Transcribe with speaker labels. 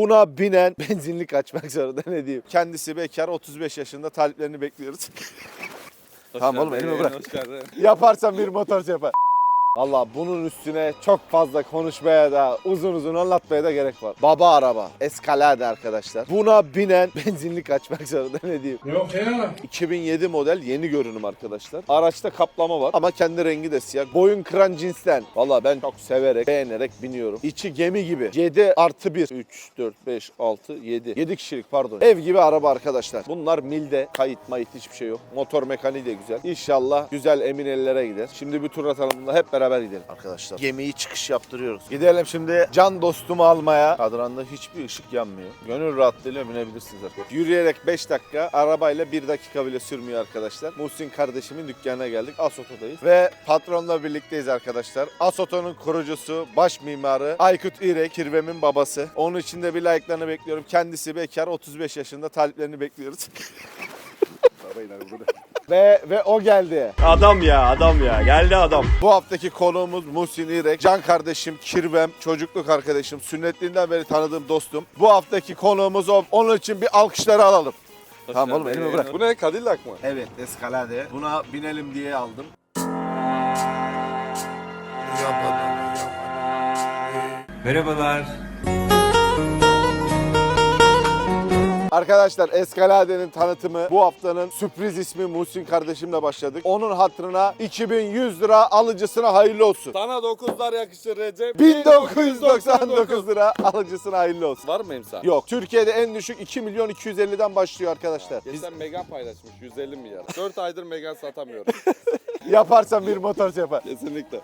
Speaker 1: Buna binen benzinlik açmak zorunda, ne diyeyim. Kendisi bekar, 35 yaşında, taliplerini bekliyoruz. Tamam oğlum, elimi bırak. Yaparsan bir motor yapar. Valla bunun üstüne çok fazla konuşmaya da uzun anlatmaya da gerek var. Baba araba. Escalade arkadaşlar. Buna binen benzinlik açmak zorunda, ne diyeyim.
Speaker 2: Yok ya.
Speaker 1: 2007 model, yeni görünüm arkadaşlar. Araçta kaplama var ama kendi rengi de siyah. Boyun kıran cinsten. Valla ben çok severek, beğenerek biniyorum. İçi gemi gibi. 7+1. 3, 4, 5, 6, 7. 7 kişilik pardon. Ev gibi araba arkadaşlar. Bunlar milde. Kayıt mayıt hiçbir şey yok. Motor mekaniği de güzel. İnşallah güzel emin ellere gider. Şimdi bir tur atalım bununla, hep beraber gidelim arkadaşlar. Gemiyi çıkış yaptırıyoruz. Gidelim şimdi can dostumu almaya. Kadranda hiçbir ışık yanmıyor. Gönül rahatlığıyla binebilirsiniz arkadaşlar. Yürüyerek 5 dakika, arabayla 1 dakika bile sürmüyor arkadaşlar. Muhsin kardeşimin dükkanına geldik. Asoto'dayız. Ve patronla birlikteyiz arkadaşlar. Asoto'nun kurucusu, baş mimarı Aykut İrek, Kirvem'in babası. Onun için de bir like'larını bekliyorum. Kendisi bekar, 35 yaşında, taliplerini bekliyoruz. Ve o geldi.
Speaker 3: Adam ya geldi adam.
Speaker 1: Bu haftaki konuğumuz Muhsin İrek. Can kardeşim, Kirvem, çocukluk arkadaşım, sünnetliğinden beri tanıdığım dostum. Bu haftaki konuğumuz o. Onun için bir alkışları alalım. Tamam oğlum, elimi bırak.
Speaker 3: Bu ne, Cadillac mı?
Speaker 1: Evet, Escalade. Buna binelim diye aldım.
Speaker 2: Merhabalar.
Speaker 1: Arkadaşlar, Escalade'nin tanıtımı bu haftanın sürpriz ismi Muhsin kardeşimle başladık. Onun hatırına 2100 lira, alıcısına hayırlı olsun.
Speaker 3: Sana 9'lar yakışır Recep.
Speaker 1: 1999 lira, alıcısına hayırlı olsun.
Speaker 3: Var mı imza?
Speaker 1: Yok, Türkiye'de en düşük 2.250.000'den başlıyor arkadaşlar.
Speaker 3: Geçen Megane paylaşmış 150 milyar. 4 aydır Megane satamıyorum.
Speaker 1: Yaparsan bir motor yapar.
Speaker 3: Kesinlikle.